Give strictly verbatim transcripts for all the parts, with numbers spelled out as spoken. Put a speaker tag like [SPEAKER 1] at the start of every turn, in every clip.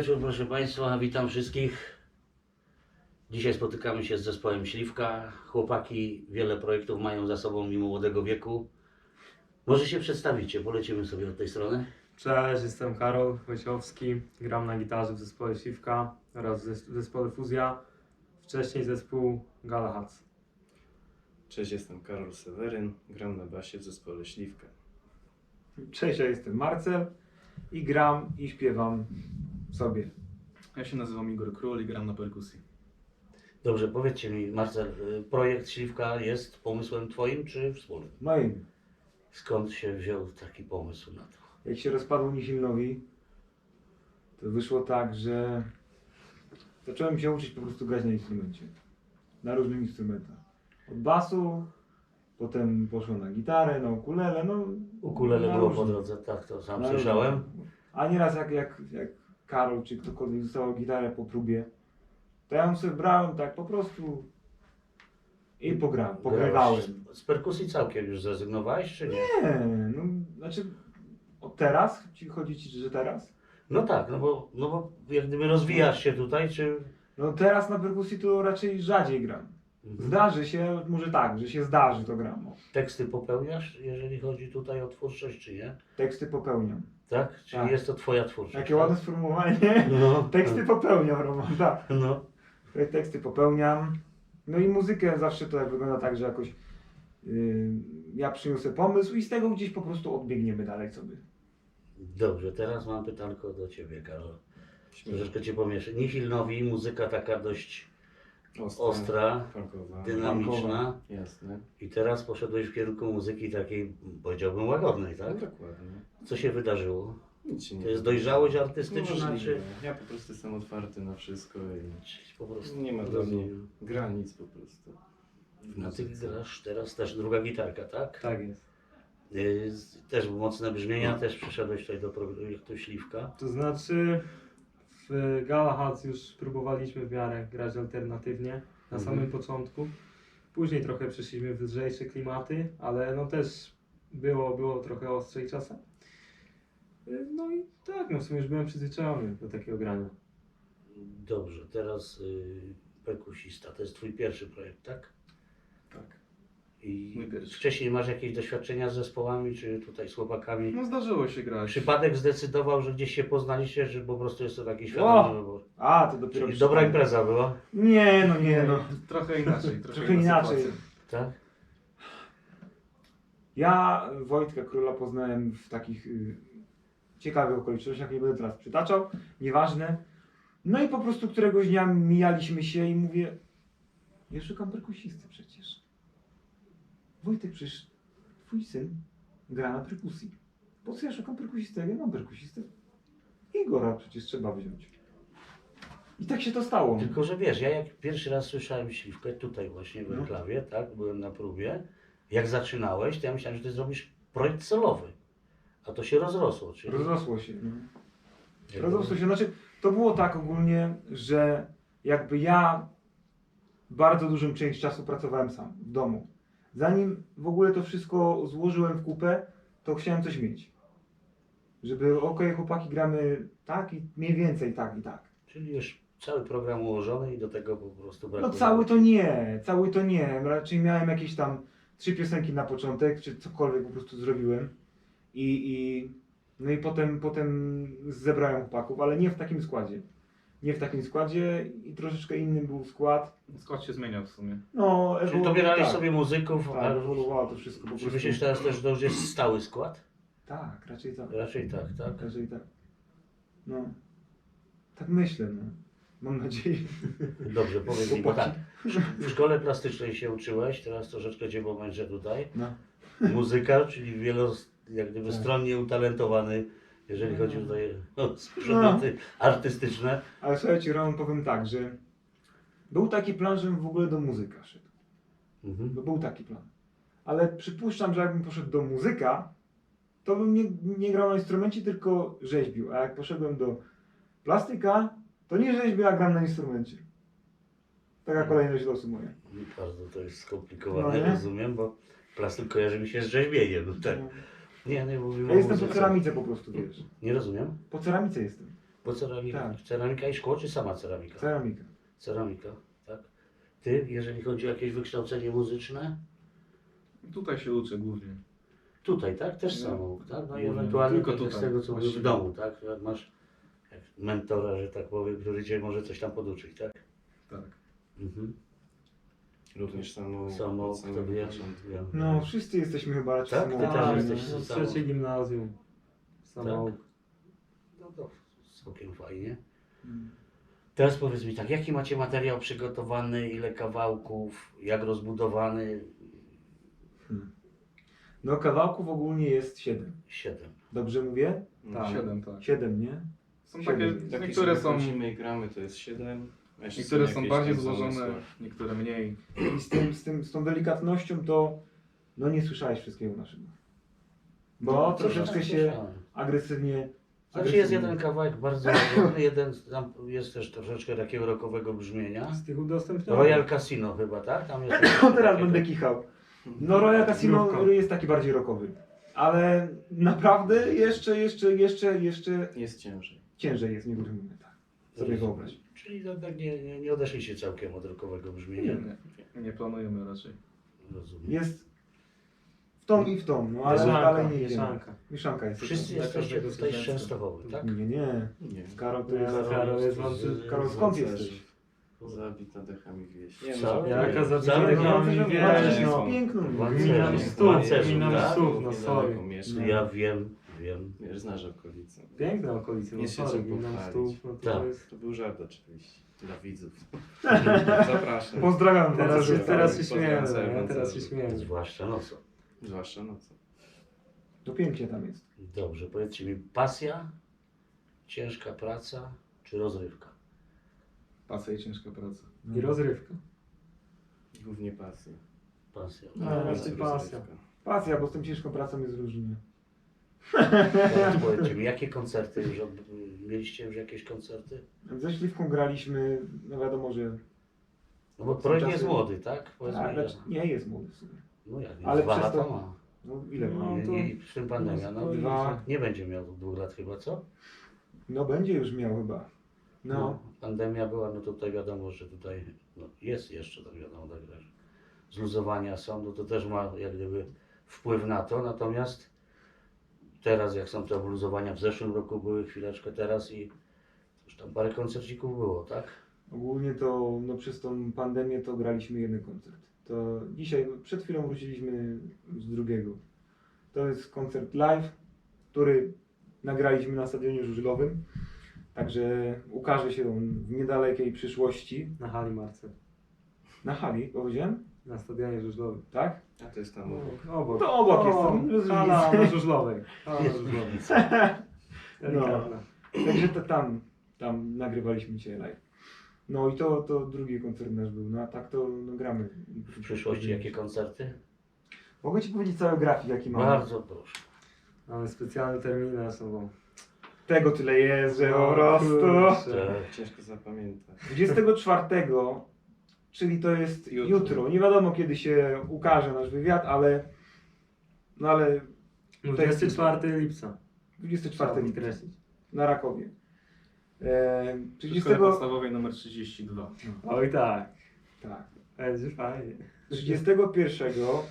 [SPEAKER 1] wieczór, proszę Państwa, witam wszystkich. Dzisiaj spotykamy się z zespołem Śliwka. Chłopaki wiele projektów mają za sobą mimo młodego wieku. Może się przedstawicie, polecimy sobie od tej strony.
[SPEAKER 2] Cześć, jestem Karol Wojciechowski, gram na gitarze w zespole Śliwka oraz w zes- w zespole Fuzja, wcześniej zespół Galahad.
[SPEAKER 3] Cześć, jestem Karol Seweryn, gram na basie w zespole Śliwka.
[SPEAKER 4] Cześć, ja jestem Marcel i gram i śpiewam sobie.
[SPEAKER 5] Ja się nazywam Igor Król i gram na perkusji.
[SPEAKER 1] Dobrze, powiedzcie mi, Marcel, y, projekt Śliwka jest pomysłem Twoim czy wspólnym?
[SPEAKER 4] Moim.
[SPEAKER 1] Skąd się wziął taki pomysł na to?
[SPEAKER 4] Jak się rozpadło Nihilnowi, to wyszło tak, że zacząłem się uczyć po prostu grać na instrumencie. Na różnych instrumentach. Od basu, potem poszło na gitarę, na ukulele, no...
[SPEAKER 1] Ukulele
[SPEAKER 4] na
[SPEAKER 1] było
[SPEAKER 4] różne.
[SPEAKER 1] po drodze, tak, to sam
[SPEAKER 4] Na
[SPEAKER 1] słyszałem.
[SPEAKER 4] różne. A nieraz jak, jak, jak Karol czy ktokolwiek dostał gitarę po próbie, to ja ją sobie brałem tak po prostu i pograłem, pogrywałem.
[SPEAKER 1] Grałeś. Z perkusji całkiem już zrezygnowałeś, czy nie?
[SPEAKER 4] Nie, no znaczy od teraz? Ci chodzi ci, że teraz?
[SPEAKER 1] No tak, no bo, no bo jak gdyby rozwijasz się tutaj, czy...
[SPEAKER 4] No teraz na perkusji to raczej rzadziej gram.
[SPEAKER 1] Mhm.
[SPEAKER 4] Zdarzy się, może tak, że się zdarzy to gram. O.
[SPEAKER 1] Teksty popełniasz, jeżeli chodzi tutaj o twórczość, czy nie?
[SPEAKER 4] Teksty popełniam.
[SPEAKER 1] Tak? Czyli
[SPEAKER 4] Tak.
[SPEAKER 1] jest to Twoja twórczość.
[SPEAKER 4] Jakie
[SPEAKER 1] tak?
[SPEAKER 4] ładne sformułowanie.
[SPEAKER 1] No.
[SPEAKER 4] Teksty popełniam, Roman, tak.
[SPEAKER 1] No.
[SPEAKER 4] Teksty popełniam. No i muzykę zawsze to jak wygląda tak, że jakoś yy, ja przyniosę pomysł i z tego gdzieś po prostu odbiegniemy dalej sobie.
[SPEAKER 1] Dobrze, teraz mam pytanko do Ciebie, Karol.
[SPEAKER 3] Śmiech,
[SPEAKER 1] Troszeczkę Cię pomieszczę. Nihilnowi, muzyka taka dość
[SPEAKER 3] ostra,
[SPEAKER 1] ostra,
[SPEAKER 3] funkowa,
[SPEAKER 1] dynamiczna.
[SPEAKER 3] jasne.
[SPEAKER 1] I teraz poszedłeś w kierunku muzyki takiej, powiedziałbym, łagodnej,
[SPEAKER 3] No
[SPEAKER 1] tak?
[SPEAKER 3] dokładnie.
[SPEAKER 1] Co się wydarzyło?
[SPEAKER 3] Nic się nie
[SPEAKER 1] To jest
[SPEAKER 3] wydarzy.
[SPEAKER 1] dojrzałość artystyczna,
[SPEAKER 3] Możliwe.
[SPEAKER 1] czy...
[SPEAKER 3] Ja po prostu jestem otwarty na wszystko i
[SPEAKER 1] Czyli po prostu
[SPEAKER 3] nie ma dla mnie
[SPEAKER 1] rozumiem.
[SPEAKER 3] granic po prostu. w
[SPEAKER 1] A Ty
[SPEAKER 3] muzyce.
[SPEAKER 1] grasz teraz też druga gitarka, tak?
[SPEAKER 2] Tak jest.
[SPEAKER 1] Yy, Też mocne brzmienia, też przyszedłeś tutaj do projektu Śliwka.
[SPEAKER 2] To znaczy w Galahad już próbowaliśmy w miarę grać alternatywnie na
[SPEAKER 1] Mhm.
[SPEAKER 2] samym początku. Później trochę przeszliśmy w lżejsze klimaty, ale no też było, było trochę ostrzej czasem. Y, No i tak, no w sumie już byłem przyzwyczajony do takiego grania.
[SPEAKER 1] Dobrze, teraz yy, perkusista, to jest Twój pierwszy projekt, tak?
[SPEAKER 5] Tak.
[SPEAKER 1] I
[SPEAKER 5] Mój pierwszy.
[SPEAKER 1] wcześniej masz jakieś doświadczenia z zespołami, czy tutaj z chłopakami?
[SPEAKER 5] No zdarzyło się grać.
[SPEAKER 1] Przypadek zdecydował, że gdzieś się poznaliście, czy po prostu jest to taki świadomy
[SPEAKER 4] O!
[SPEAKER 1] wybór?
[SPEAKER 4] A, to dopiero...
[SPEAKER 1] Czyli dobra impreza była,
[SPEAKER 4] Nie, no nie, no.
[SPEAKER 5] Trochę inaczej. Trochę,
[SPEAKER 4] Trochę
[SPEAKER 5] inna
[SPEAKER 4] inaczej.
[SPEAKER 5] sytuacja.
[SPEAKER 1] tak?
[SPEAKER 4] Ja Wojtka Króla poznałem w takich y, ciekawych okolicznościach, nie będę teraz przytaczał, nieważne. No i po prostu któregoś dnia mijaliśmy się i mówię, ja szukam perkusisty przecież. Wojtek, przecież twój syn gra na perkusji. Po co ja szukam perkusisty? Ja mam perkusistę. Igora przecież trzeba wziąć. I tak się to stało.
[SPEAKER 1] Tylko, że wiesz, ja jak pierwszy raz słyszałem Śliwkę tutaj właśnie w
[SPEAKER 4] No.
[SPEAKER 1] Enklawie, tak, byłem na próbie, jak zaczynałeś, to ja myślałem, że ty zrobisz projekt solowy, a to się rozrosło, czyli...
[SPEAKER 4] Rozrosło się. No.
[SPEAKER 1] Jak
[SPEAKER 4] Rozrosło się. Znaczy, to było tak ogólnie, że jakby ja bardzo dużą część czasu pracowałem sam, w domu. Zanim w ogóle to wszystko złożyłem w kupę, to chciałem coś mieć. Żeby, okej, chłopaki, gramy tak i mniej więcej tak i tak.
[SPEAKER 1] Czyli już cały program ułożony i do tego po prostu
[SPEAKER 4] No
[SPEAKER 1] brakuje.
[SPEAKER 4] cały to nie, cały to nie. Raczej miałem jakieś tam trzy piosenki na początek, czy cokolwiek po prostu zrobiłem. I, i no i potem, potem zebrałem chłopaków, ale nie w takim składzie. Nie w takim składzie i troszeczkę innym był skład.
[SPEAKER 5] Skład się zmieniał w sumie.
[SPEAKER 4] No,
[SPEAKER 1] Czyli
[SPEAKER 4] ewolu-
[SPEAKER 1] dobierałeś
[SPEAKER 4] tak,
[SPEAKER 1] sobie muzyków,
[SPEAKER 4] tak,
[SPEAKER 1] a
[SPEAKER 4] ewoluowało to wszystko po
[SPEAKER 1] czy
[SPEAKER 4] prostu.
[SPEAKER 1] myślisz teraz też, że to już jest stały skład?
[SPEAKER 4] Tak, raczej tak.
[SPEAKER 1] Raczej tak, tak?
[SPEAKER 4] Raczej tak. No. Tak myślę, no. Mam nadzieję.
[SPEAKER 1] Dobrze, powiedz mi, bo tak,
[SPEAKER 4] Chłopaki.
[SPEAKER 1] w szkole plastycznej się uczyłeś, teraz troszeczkę Cię pomęczę tutaj.
[SPEAKER 4] No.
[SPEAKER 1] Muzyka, czyli wielo, jak gdyby
[SPEAKER 4] Tak.
[SPEAKER 1] stronnie utalentowany, jeżeli
[SPEAKER 4] No.
[SPEAKER 1] chodzi tutaj o przedmioty artystyczne.
[SPEAKER 4] Ale słuchajcie, Roman, powiem tak, że był taki plan, żebym w ogóle do muzyka szedł.
[SPEAKER 1] Mhm.
[SPEAKER 4] Bo był taki plan. Ale przypuszczam, że jakbym poszedł do muzyka, to bym nie, nie grał na instrumencie, tylko rzeźbił. A jak poszedłem do plastyka, to nie rzeźbię, a gram na instrumencie. Taka kolejność losu moja.
[SPEAKER 1] Bardzo to jest skomplikowane,
[SPEAKER 4] No nie?
[SPEAKER 1] rozumiem, bo plastyk kojarzy mi się z rzeźbieniem. No tak. Nie, nie mówimy
[SPEAKER 4] Ja
[SPEAKER 1] o
[SPEAKER 4] jestem po
[SPEAKER 1] muzyce.
[SPEAKER 4] ceramice po prostu, wiesz.
[SPEAKER 1] Nie rozumiem.
[SPEAKER 4] Po ceramice jestem.
[SPEAKER 1] Bo ceramika,
[SPEAKER 4] Tak.
[SPEAKER 1] ceramika i szkło, czy sama ceramika?
[SPEAKER 4] Ceramika.
[SPEAKER 1] Ceramika, tak. Ty, jeżeli chodzi o jakieś wykształcenie muzyczne?
[SPEAKER 5] Tutaj się uczę głównie.
[SPEAKER 1] Tutaj, tak? Też
[SPEAKER 5] No.
[SPEAKER 1] samouk, tak? No i
[SPEAKER 5] Głównie.
[SPEAKER 1] ewentualnie
[SPEAKER 5] Tylko
[SPEAKER 1] tak jak z
[SPEAKER 5] tutaj,
[SPEAKER 1] tego, co mówisz w
[SPEAKER 5] właściwie.
[SPEAKER 1] domu, tak? Jak masz jak mentora, że tak powiem, który cię może coś tam poduczyć, tak?
[SPEAKER 5] Tak.
[SPEAKER 1] Mhm.
[SPEAKER 3] Również samo
[SPEAKER 1] Samouk,
[SPEAKER 3] od
[SPEAKER 1] to
[SPEAKER 3] samego
[SPEAKER 1] wiem,
[SPEAKER 3] początku.
[SPEAKER 1] wiem.
[SPEAKER 4] No, wszyscy jesteśmy chyba raczej
[SPEAKER 1] Tak, ty też
[SPEAKER 4] samoukami,
[SPEAKER 1] jesteś
[SPEAKER 4] nie?
[SPEAKER 2] no,
[SPEAKER 1] samouk.
[SPEAKER 2] trzecie gimnazjum. Samouk.
[SPEAKER 1] No to całkiem fajnie.
[SPEAKER 4] Mm.
[SPEAKER 1] Teraz powiedz mi tak, jaki macie materiał przygotowany, ile kawałków, jak rozbudowany?
[SPEAKER 4] Hmm. No, kawałków ogólnie jest siedem.
[SPEAKER 1] Siedem.
[SPEAKER 4] Dobrze mówię?
[SPEAKER 3] No,
[SPEAKER 2] Tak.
[SPEAKER 5] Siedem, tak.
[SPEAKER 4] Siedem, nie?
[SPEAKER 5] Są
[SPEAKER 4] Siedem.
[SPEAKER 5] takie,
[SPEAKER 3] Takie
[SPEAKER 5] niektóre
[SPEAKER 3] sobie
[SPEAKER 5] są,
[SPEAKER 3] chodzimy i gramy, to jest siedem. a jeszcze
[SPEAKER 5] niektóre są
[SPEAKER 3] jakieś
[SPEAKER 5] bardziej
[SPEAKER 3] tam
[SPEAKER 5] złożone,
[SPEAKER 3] zamysły.
[SPEAKER 5] niektóre mniej.
[SPEAKER 4] I z, tym, z, tym, z tą delikatnością to, no nie słyszałeś wszystkiego naszego. Bo
[SPEAKER 5] No,
[SPEAKER 4] troszeczkę się
[SPEAKER 1] Słyszałem.
[SPEAKER 4] agresywnie...
[SPEAKER 1] Znaczy jest
[SPEAKER 4] agresywnie-
[SPEAKER 1] jeden kawałek bardzo ładny, jeden tam jest też troszeczkę takiego rockowego brzmienia.
[SPEAKER 2] Z tych udostępnionych.
[SPEAKER 1] Royal Casino chyba, tak? Tam jest
[SPEAKER 4] No teraz
[SPEAKER 1] takie-
[SPEAKER 4] będę kichał. No Royal Casino
[SPEAKER 2] Znówko.
[SPEAKER 4] jest taki bardziej rockowy. Ale naprawdę jeszcze, jeszcze, jeszcze, jeszcze
[SPEAKER 3] Jest ciężej.
[SPEAKER 4] ciężej jest w niektórych momentach. Sobie wyobraź.
[SPEAKER 1] Czyli tak nie, nie, nie odeszliście całkiem od rockowego brzmienia.
[SPEAKER 5] Nie, nie planujemy raczej.
[SPEAKER 1] Rozumiem.
[SPEAKER 4] Jest w tą i w tą, no ale
[SPEAKER 2] Mieszanka,
[SPEAKER 4] dalej nie idziemy.
[SPEAKER 2] mieszanka.
[SPEAKER 4] Mieszanka jest.
[SPEAKER 1] Wszyscy
[SPEAKER 2] Dla
[SPEAKER 1] jesteście
[SPEAKER 2] każdego
[SPEAKER 1] tutaj z
[SPEAKER 2] coś
[SPEAKER 1] Częstochowy, tak?
[SPEAKER 4] Nie, nie.
[SPEAKER 3] Nie.
[SPEAKER 4] Karol to
[SPEAKER 2] Nie,
[SPEAKER 4] jest...
[SPEAKER 2] Karol jest
[SPEAKER 1] z-
[SPEAKER 2] wąty-
[SPEAKER 4] Karol, skąd jesteś?
[SPEAKER 3] Zabit na dechami wieś. Nie,
[SPEAKER 1] Co?
[SPEAKER 3] no,
[SPEAKER 2] Jaka
[SPEAKER 3] żartuję.
[SPEAKER 2] zabita
[SPEAKER 1] Wcale
[SPEAKER 2] dechami
[SPEAKER 1] nie,
[SPEAKER 2] wieś,
[SPEAKER 4] Walczysz
[SPEAKER 2] no.
[SPEAKER 4] z piękną.
[SPEAKER 1] Walczysz.
[SPEAKER 2] Minam
[SPEAKER 1] Walczysz,
[SPEAKER 2] stóp,
[SPEAKER 1] walczysz,
[SPEAKER 2] minam
[SPEAKER 1] tak?
[SPEAKER 2] stóp, no sorry.
[SPEAKER 3] Niedaleko mieszkam.
[SPEAKER 1] Ja wiem, wiem.
[SPEAKER 3] Wiesz, znasz okolice.
[SPEAKER 2] Piękne okolice, no
[SPEAKER 3] Jest się
[SPEAKER 2] sorry,
[SPEAKER 3] czym
[SPEAKER 2] minam
[SPEAKER 3] pochwalić.
[SPEAKER 2] stóp, no to
[SPEAKER 1] Tak.
[SPEAKER 2] jest...
[SPEAKER 3] To był żart oczywiście. Dla widzów. Zapraszam.
[SPEAKER 4] Pozdrawiam
[SPEAKER 2] Teraz,
[SPEAKER 4] was.
[SPEAKER 2] się,
[SPEAKER 3] Pozdrawiam.
[SPEAKER 2] teraz się
[SPEAKER 3] Pozdrawiam
[SPEAKER 2] śmiejemy,
[SPEAKER 3] całe
[SPEAKER 2] no, teraz się
[SPEAKER 3] Wątele.
[SPEAKER 2] śmiejemy.
[SPEAKER 1] Zwłaszcza nocą.
[SPEAKER 3] Zwłaszcza nocą.
[SPEAKER 4] To pięknie tam jest.
[SPEAKER 1] Dobrze, powiedzcie mi, pasja, ciężka praca czy rozrywka?
[SPEAKER 5] Pasja i ciężka praca.
[SPEAKER 2] I rozrywka.
[SPEAKER 3] Głównie pasja.
[SPEAKER 1] Pasja.
[SPEAKER 2] No,
[SPEAKER 3] Ale
[SPEAKER 2] raczej
[SPEAKER 3] jest
[SPEAKER 2] pasja.
[SPEAKER 3] rozrywka.
[SPEAKER 4] Pasja, bo z tą ciężką pracą jest różnie.
[SPEAKER 1] Teraz powiedzcie mi, jakie koncerty już od... mieliście już jakieś koncerty?
[SPEAKER 4] Ze Śliwką graliśmy, no wiadomo, że...
[SPEAKER 1] No bo
[SPEAKER 4] Są
[SPEAKER 1] projekt
[SPEAKER 4] czasy-
[SPEAKER 1] jest młody, tak? Powiedzmy,
[SPEAKER 4] A,
[SPEAKER 1] ile?
[SPEAKER 4] znaczy, nie jest młody w sumie.
[SPEAKER 1] No jak, nie,
[SPEAKER 4] ale
[SPEAKER 1] dwa
[SPEAKER 4] przez
[SPEAKER 1] lata
[SPEAKER 4] to-
[SPEAKER 1] ma.
[SPEAKER 4] No ile ma?
[SPEAKER 2] No,
[SPEAKER 1] Nie,
[SPEAKER 2] to-
[SPEAKER 1] nie, w tym pandemia, no.
[SPEAKER 2] no,
[SPEAKER 4] Dwa.
[SPEAKER 1] Nie będzie miał dwóch lat chyba, co?
[SPEAKER 4] No będzie już miał chyba. No.
[SPEAKER 1] Pandemia była, no tutaj wiadomo, że tutaj no, jest jeszcze, tak wiadomo, tak, że zluzowania są, no to też ma jak gdyby wpływ na to, natomiast teraz jak są te obluzowania, w zeszłym roku były chwileczkę teraz i już tam parę koncercików było, tak?
[SPEAKER 4] Ogólnie to no, przez tą pandemię to graliśmy jeden koncert. To dzisiaj, przed chwilą wróciliśmy z drugiego. To jest koncert live, który nagraliśmy na Stadionie Żużlowym. Także ukaże się on w niedalekiej przyszłości.
[SPEAKER 2] Na hali Marce.
[SPEAKER 4] Na hali, powiedziałem?
[SPEAKER 2] Na stadionie żużlowym.
[SPEAKER 4] Tak?
[SPEAKER 3] A to jest tam obok.
[SPEAKER 2] No, obok.
[SPEAKER 4] To obok jest,
[SPEAKER 2] O,
[SPEAKER 4] to bez
[SPEAKER 2] hala
[SPEAKER 4] różnicy.
[SPEAKER 2] na żużlowej. Hala na żużlowej. Delikatna.
[SPEAKER 4] Także to tam, tam nagrywaliśmy dzisiaj live. No i to, to drugi koncert nasz był. No a tak to no, gramy.
[SPEAKER 1] W przyszłości jakie koncerty?
[SPEAKER 4] Mogę Ci powiedzieć cały grafik jaki mamy.
[SPEAKER 1] Bardzo proszę.
[SPEAKER 2] Mamy specjalne terminy są.
[SPEAKER 4] Tego tyle jest, że po
[SPEAKER 2] No,
[SPEAKER 4] prostu.
[SPEAKER 2] kurczę.
[SPEAKER 1] Tak.
[SPEAKER 3] Ciężko zapamiętać.
[SPEAKER 4] dwudziestego czwartego, czyli to jest jutro.
[SPEAKER 3] Jutro.
[SPEAKER 4] Nie wiadomo kiedy się ukaże nasz wywiad, ale no ale
[SPEAKER 2] dwudziestego czwartego lipca.
[SPEAKER 4] dwudziestego
[SPEAKER 2] Trzeba
[SPEAKER 4] czwartego lipca
[SPEAKER 2] podkreślić.
[SPEAKER 4] na Rakowie. E,
[SPEAKER 5] W szkole
[SPEAKER 4] trzydziestego
[SPEAKER 5] podstawowej numer trzydzieści dwa.
[SPEAKER 2] Oj tak.
[SPEAKER 4] tak.
[SPEAKER 2] Będzie fajnie.
[SPEAKER 4] trzydziestego pierwszego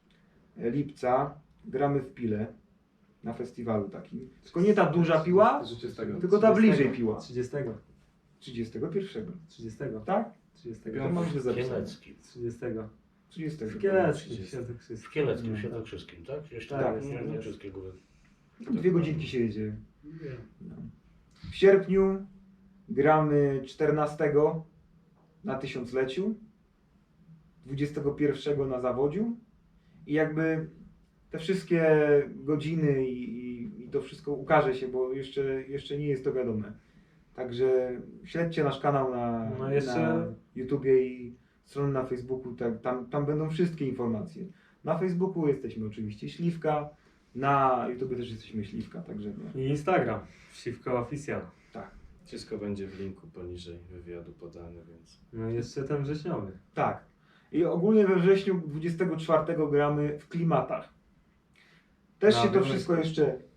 [SPEAKER 4] lipca gramy w Pile na festiwalu takim. Tylko nie ta duża piła,
[SPEAKER 5] trzydziestego.
[SPEAKER 4] tylko ta bliżej piła.
[SPEAKER 2] trzydziestego.
[SPEAKER 4] trzydziestego pierwszego.
[SPEAKER 2] trzydziestego.
[SPEAKER 4] Tak?
[SPEAKER 2] trzydziestego.
[SPEAKER 4] To mam źle
[SPEAKER 1] W
[SPEAKER 4] zapisane.
[SPEAKER 1] Kieleckim.
[SPEAKER 2] trzydziestego.
[SPEAKER 4] trzydziestego.
[SPEAKER 2] W Kieleckim.
[SPEAKER 3] trzydziestego.
[SPEAKER 2] Świętokrzyskim.
[SPEAKER 1] W Kieleckim,
[SPEAKER 2] No.
[SPEAKER 1] Świętokrzyskim, tak? Gdzieś
[SPEAKER 2] Tak,
[SPEAKER 1] tam,
[SPEAKER 2] jest,
[SPEAKER 1] nie,
[SPEAKER 2] tak
[SPEAKER 1] nie
[SPEAKER 2] jest.
[SPEAKER 1] wszystkie góry.
[SPEAKER 4] Dwie godzinki się jedzie.
[SPEAKER 1] Nie.
[SPEAKER 4] No. W sierpniu gramy czternastego na tysiącleciu, dwudziestego pierwszego na zawodziu i jakby te wszystkie godziny i, i, i to wszystko ukaże się, bo jeszcze, jeszcze nie jest to wiadome. Także śledźcie nasz kanał na,
[SPEAKER 2] No jeszcze-
[SPEAKER 4] na YouTubie i stronę na Facebooku, tak, tam, tam będą wszystkie informacje. Na Facebooku jesteśmy oczywiście Śliwka, na YouTubie też jesteśmy Śliwka, także no.
[SPEAKER 2] I Instagram. Siwka Official.
[SPEAKER 3] Wszystko będzie w linku poniżej wywiadu podane, więc
[SPEAKER 2] No i jeszcze ten wrześniowy.
[SPEAKER 4] Tak. I ogólnie we wrześniu dwudziestego czwartego gramy w klimatach. Też
[SPEAKER 2] Na
[SPEAKER 4] się to
[SPEAKER 2] Białymstoku.
[SPEAKER 4] wszystko jeszcze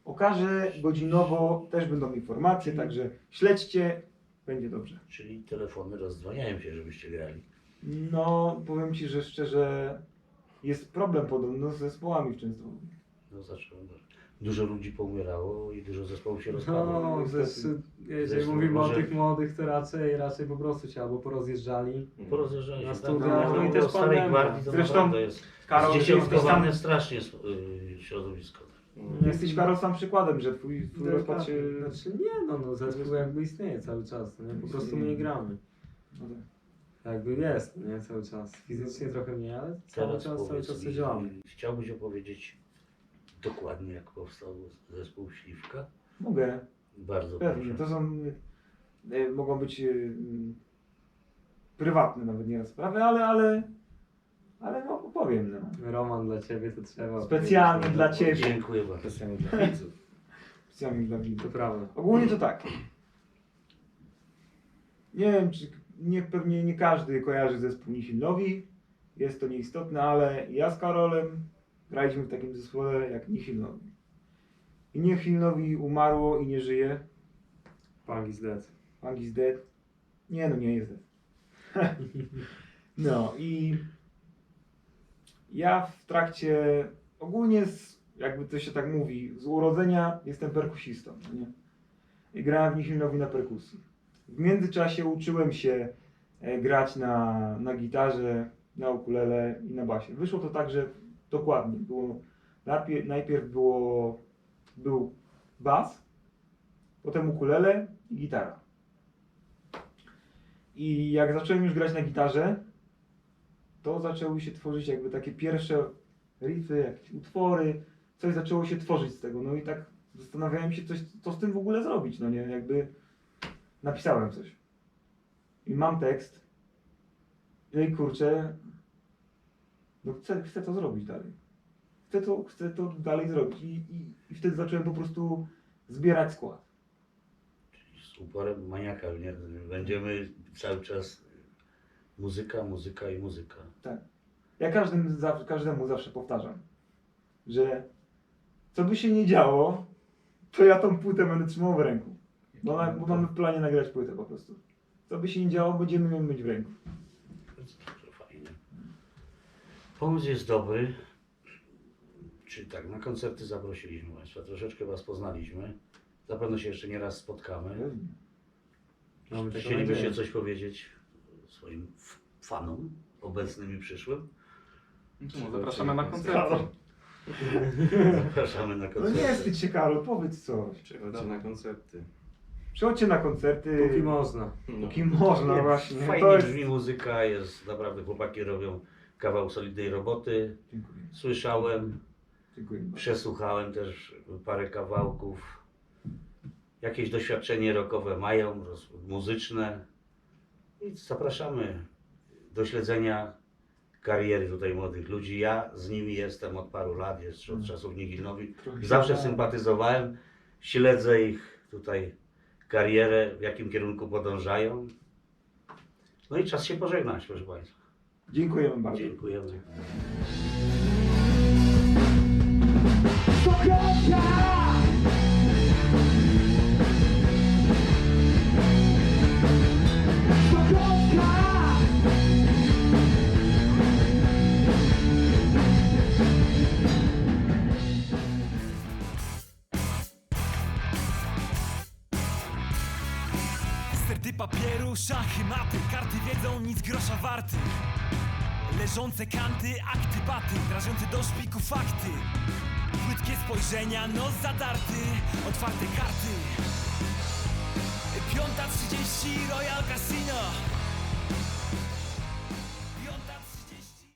[SPEAKER 4] okaże godzinowo, też będą informacje, także śledźcie, będzie dobrze.
[SPEAKER 1] Czyli telefony rozdwaniają się, żebyście grali.
[SPEAKER 4] No, powiem Ci, że szczerze jest problem podobno z zespołami w Częstochowie.
[SPEAKER 1] No zacząłem. Dużo ludzi poumierało i dużo zespołów się rozpadło.
[SPEAKER 2] No,
[SPEAKER 4] niestety.
[SPEAKER 2] zes, jeżeli
[SPEAKER 1] Zresztą
[SPEAKER 2] mówimy
[SPEAKER 1] może-
[SPEAKER 2] o tych młodych, to raczej, raczej po prostu się albo porozjeżdżali.
[SPEAKER 1] Porozjeżdżali
[SPEAKER 2] Na
[SPEAKER 1] się.
[SPEAKER 2] studiach,
[SPEAKER 1] Tak,
[SPEAKER 2] no i
[SPEAKER 1] bo
[SPEAKER 2] też
[SPEAKER 1] o Starej
[SPEAKER 2] pandemia.
[SPEAKER 1] Gwardii to
[SPEAKER 4] Zresztą
[SPEAKER 1] naprawdę jest
[SPEAKER 4] Karol, ty jesteś
[SPEAKER 1] zdziesiątkowane
[SPEAKER 4] tam,
[SPEAKER 1] strasznie yy, środowisko.
[SPEAKER 3] Mm.
[SPEAKER 4] jesteś Karol sam przykładem, że twój, twój rozpad się...
[SPEAKER 2] Znaczy nie, no, no zespół jakby istnieje cały czas, no nie? Po prostu my nie gramy.
[SPEAKER 4] No tak.
[SPEAKER 2] Jakby jest, no nie? Cały czas. Fizycznie trochę mniej, ale cały
[SPEAKER 1] Teraz
[SPEAKER 2] czas, cały
[SPEAKER 1] powiedz
[SPEAKER 2] czas
[SPEAKER 1] mi,
[SPEAKER 2] sobie działamy.
[SPEAKER 1] chciałbyś opowiedzieć dokładnie, jak powstał zespół Śliwka?
[SPEAKER 4] Mogę,
[SPEAKER 1] Bardzo
[SPEAKER 4] pewnie.
[SPEAKER 1] proszę.
[SPEAKER 4] To są, e, mogą być e, m, prywatne nawet nieraz sprawy, ale, ale, ale no, opowiem. No.
[SPEAKER 2] Roman dla ciebie to trzeba.
[SPEAKER 4] Specjalnie
[SPEAKER 2] powiedzieć,
[SPEAKER 4] dla
[SPEAKER 2] no,
[SPEAKER 4] ciebie.
[SPEAKER 1] Dziękuję bardzo.
[SPEAKER 3] Specjalnie dla widzów.
[SPEAKER 4] Specjalnie dla
[SPEAKER 2] To
[SPEAKER 4] widzów.
[SPEAKER 2] prawda.
[SPEAKER 4] Ogólnie to tak. Nie wiem, czy nie, pewnie nie każdy kojarzy zespół Nihilnowi. Jest to nieistotne, ale ja z Karolem graliśmy w takim zespole jak Nihilnowi. I Nihilnowi umarło i nie żyje.
[SPEAKER 2] Punk is dead.
[SPEAKER 4] Punk is dead. Nie no, nie jest dead. No i ja w trakcie, ogólnie z, jakby to się tak mówi, z urodzenia jestem perkusistą, no nie? I grałem w Nihilnowi na perkusji. W międzyczasie uczyłem się e, grać na, na gitarze, na ukulele i na basie. Wyszło to tak, że dokładnie było, najpierw, najpierw było, był bas, potem ukulele i gitara. I jak zacząłem już grać na gitarze, to zaczęły się tworzyć jakby takie pierwsze riffy, jakieś utwory, coś zaczęło się tworzyć z tego. No i tak zastanawiałem się, coś, co z tym w ogóle zrobić, no nie, jakby napisałem coś. I mam tekst. No i kurczę, no chcę, chcę to zrobić dalej. Chcę to, chcę to dalej zrobić. I, i, I wtedy zacząłem po prostu zbierać skład.
[SPEAKER 1] Z uporem maniaka, nie? Będziemy cały czas muzyka, muzyka i muzyka.
[SPEAKER 4] Ja każdym, za- każdemu zawsze powtarzam, że co by się nie działo, to ja tą płytę będę trzymał w ręku. Bo, na, bo mamy w planie nagrać płytę po prostu. Co by się nie działo, będziemy ją mieć w ręku.
[SPEAKER 1] To jest bardzo fajne. Pomysł jest dobry. Czyli tak, na koncerty zaprosiliśmy Państwa, troszeczkę Was poznaliśmy. Zapewne się jeszcze nie raz spotkamy.
[SPEAKER 2] Mamy taką
[SPEAKER 1] Chcielibyście
[SPEAKER 2] nadzieję.
[SPEAKER 1] coś powiedzieć swoim f- fanom, obecnym i przyszłym?
[SPEAKER 5] No to może zapraszamy na koncerty.
[SPEAKER 1] Zapraszamy na
[SPEAKER 4] No
[SPEAKER 1] koncerty.
[SPEAKER 4] nie wstydź się, Karol, powiedz coś.
[SPEAKER 3] Przychodźcie na koncerty.
[SPEAKER 4] Przychodźcie na koncerty.
[SPEAKER 2] Póki można.
[SPEAKER 3] No.
[SPEAKER 4] Póki można,
[SPEAKER 1] Nie,
[SPEAKER 4] właśnie.
[SPEAKER 1] Fajnie
[SPEAKER 4] To jest...
[SPEAKER 1] brzmi muzyka, jest naprawdę, chłopaki robią kawał solidnej roboty.
[SPEAKER 4] Dziękuję.
[SPEAKER 1] Słyszałem,
[SPEAKER 4] Dziękuję.
[SPEAKER 1] przesłuchałem też parę kawałków. Jakieś doświadczenie rockowe mają, roz- muzyczne. I zapraszamy do śledzenia kariery tutaj młodych ludzi. Ja z nimi jestem od paru lat, jeszcze od czasów Nihilnowi.
[SPEAKER 4] Trochę się
[SPEAKER 1] Zawsze
[SPEAKER 4] bałem.
[SPEAKER 1] sympatyzowałem, śledzę ich tutaj karierę, w jakim kierunku podążają. No i czas się pożegnać, proszę Państwa.
[SPEAKER 4] Dziękujemy bardzo.
[SPEAKER 1] Dziękujemy.
[SPEAKER 6] Sterty papieru, szachy, maty, karty wiedzą, nic grosza warty. Leżące kanty, akty, baty, drażące do szpiku fakty. Płytkie spojrzenia, nos zadarty, otwarte karty. Piąta trzydzieści, Royal Casino.